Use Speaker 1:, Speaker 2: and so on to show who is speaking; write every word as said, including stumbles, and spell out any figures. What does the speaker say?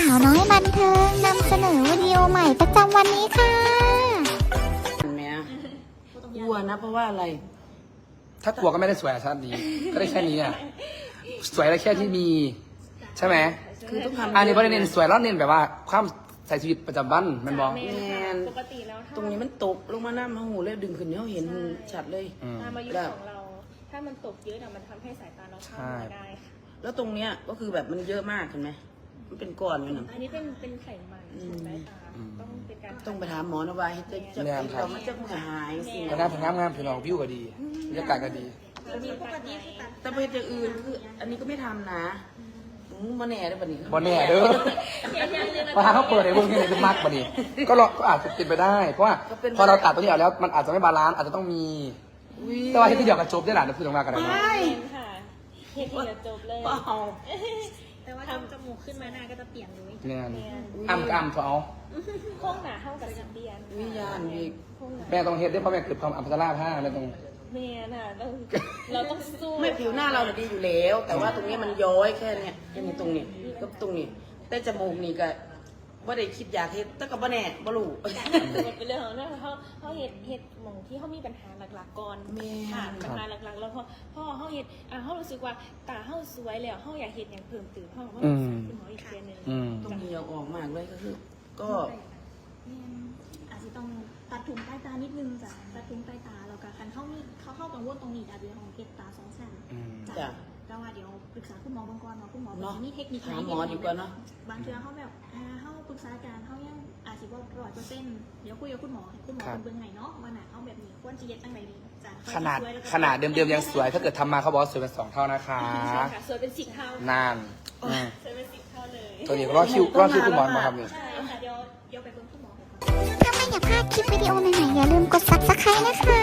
Speaker 1: าวน้อยบันเทิงนำเสนอวิดีโอใหม่ประจำวันนี้ค่ะ
Speaker 2: เห็นไหมกลัวนะเพราะว่าอะไร
Speaker 3: ถ้ากลัวก็ไม่ได้สวยชาตินี้ก็ได้แค่นี้อ่ะสวยได้แค่ที่มีใช่ไหม
Speaker 2: คือต้องทำ
Speaker 3: อันนี้ไม่ได้เน้นสวยแล้วเน้นแบบว่าความใส่ชีวิตประจำวันมันบอก
Speaker 2: แมน
Speaker 4: ปกติแล้วถ้า
Speaker 2: ตรงนี้มันตกลงมาหน้ามาหูเลยดึงขึ้นเนี่ยเห็นชัดเลย
Speaker 4: ตามอายุของเรา ถ้ามันตกเยอะเนี่ยมันทำให้สายตาเราพร่ามัวได้ค่ะ
Speaker 2: แล้วตรงเนี้ยก็คือแบบมันเยอะมากเห็นไหมมันเป็นก้อนเลยนะ
Speaker 4: อันนี้เป็นเป็นไขมันสูงสายตาต้องเป็นการ
Speaker 2: ต้องไปถามหมอนะว่าให้จะจะเรามันจะมือหายสิ
Speaker 3: แต่หน้าผมงามงามผิวหนังวิวก็ดีบรรยากาศก็ดี
Speaker 4: จะมีปกติคือตัด
Speaker 2: แต่ไปจะอื่นคืออันนี้ก็ไม่ทำนะมาแน่ได้ปะนี่
Speaker 3: บอแน่เด้อพอทางเขาเปิดในวงนี้จะมักบอดีก็รอก็อาจจะเป็นไปได้ เพราะว่าพอเราตัดตัวนี้ออกแล้วมันอาจจะไม่บาลานซ์อาจจะต้องมีแต่ว่าที่เดียวกับจบได้หลานจะพูดตรงหน้ากันนะ
Speaker 4: ใช่ค่ะเฮ็ดที่จะจบเลย
Speaker 2: เปล่า
Speaker 4: แต่ว่าทำจมูกขึ้นมาหน้าก็จะเปลี่ยนเลย
Speaker 3: เนี่ยอ้ำก็อ้ำเขาเอา
Speaker 4: โค้งหนาเท่ากับสิบเดียน
Speaker 2: วิญญาณอีก
Speaker 4: โค้งหนา
Speaker 3: แม่ต้องเฮ็ดด้วยเพราะแม่เกิดความอัมพาตลาผ้าแม่ต้อง
Speaker 4: แม่น่ะต้องเราต้องสู้
Speaker 2: ไม่ผิวหน้าเราเนี่ยดีอยู่แล้ว แต่ว่าตรงนี้มันย้อยแค่เนี้ยแค่นี้ตรงนี้ก็ตรงนี้แต่จมูกนี่ก็ว่าได้คิดอยากเฮ็ดแต่ก็บ่แน่บ่รู้
Speaker 4: มันเป็นเรื่องของเรื่องเขาเขาเห็ดเห็ดหมองที่เขามีปัญหาหลักๆก่อน
Speaker 2: แม่
Speaker 4: ค่ะปัญหาหลักๆแล้วพอพ่อเขาเห็ดอ่าเขารู้สึกว่าตาเขาสวยแล้วเขาอยากเห็ดอย่างเพิ่มเติมเขาเขาต้องสั่งคุณหมออีกเทียนึง
Speaker 3: อืม
Speaker 2: ต้องมีเอาออกมากเลยก็คือ ก็
Speaker 5: อาจจะต้องตัดถุงใต้ตานิดนึงจ้ะตัดถุงใต้ตาแล้วก็คันเข้ามีเขาเข้ากังวลตรงนี้อาจจะของเก็บตาสองชั้น
Speaker 3: อืม
Speaker 2: จ้ะ
Speaker 5: แต่ว่าเดี๋ยวปรึกษาคุณหมอบางก่อนเนาะคุณหมอ
Speaker 2: เนาะ
Speaker 5: จะมีเทคนิค
Speaker 2: ถามหมอดีกว่าเนาะ
Speaker 5: บางเทื่อเขาแบบอ่าเขาปรึกษาการเขายังอาจจะว่าร้อยเปอร์เซ็นต์เดี๋ยวคุยกับคุณหมอให้คุณหมอเป็นเบื้องไหนเนาะว่าหนาเขาแบบนี้ควรจะเย็ดตั้งไหนดีจ้ะ
Speaker 3: ขนาดขนาดเดิมๆยังสวย ถ้าเกิดทำมาเขาบอกว่าสวยเป็นสองเท่านะคะ
Speaker 4: ใช่ค่ะสวยเป็นสิบเท่าน
Speaker 3: านอืม
Speaker 4: สวยเป็นสิบเท่าเลย
Speaker 3: ตัวนี้ก็รอคิวรอคิวคุณหมอมาครับนี่
Speaker 5: ใช่ค่ะเดี๋ยวเดี๋ยวไปเบิ่งคุณหมอก่อน
Speaker 1: ถ้าไม่อยากพลาดคลิปวิดีโอใหม่ๆอย่าลืมกด ซับสไครบ์ นะคะ